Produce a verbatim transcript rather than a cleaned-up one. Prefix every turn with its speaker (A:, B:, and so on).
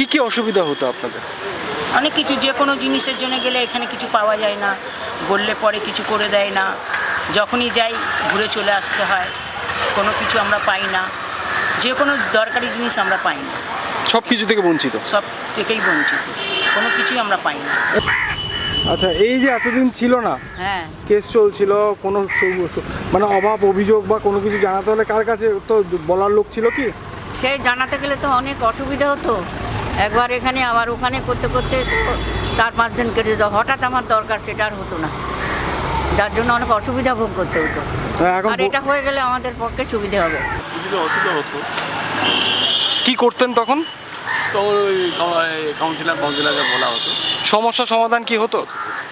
A: কি অসুবিধা হতো আপনাদের?
B: অনেক কিছু, যে কোনো জিনিসের জন্য গেলে এখানে কিছু পাওয়া যায় না, বললে পরে কিছু করে দেয় না, যখনই যাই ঘুরে চলে আসতে হয়, কোনো কিছু আমরা পাই না, যে কোনো দরকারি জিনিস আমরা পাই না,
A: সব কিছু থেকে বঞ্চিত?
B: সব থেকেই বঞ্চিত, কোনো কিছুই আমরা পাই না।
A: আচ্ছা, এই যে এতদিন ছিল না,
B: হ্যাঁ,
A: কেস চলছিল, কোনো সু- সু- মানে অভাব অভিযোগ বা কোনো কিছু জানাতে হলে কার কাছে তো বলার লোক ছিল কি?
C: সে জানাতে গেলে তো অনেক অসুবিধা হতো, একবার এখানে আবার ওখানে করতে করতে তো চার পাঁচ দিন কেটে যেত, হঠাৎ আমার দরকার সেটা আর হতো না, যার জন্য অনেক অসুবিধা ভোগ করতে হতো।
A: হ্যাঁ, এখন
C: আর এটা হয়ে গেলে আমাদের পক্ষে সুবিধে হবে।
D: কিছুটা অসুবিধা হতো,
A: কি করতেন তখন?
D: তো ওই কাউন্সিলর কাউন্সিলরকে বলা হতো।
A: সমস্যা সমাধান কি হতো?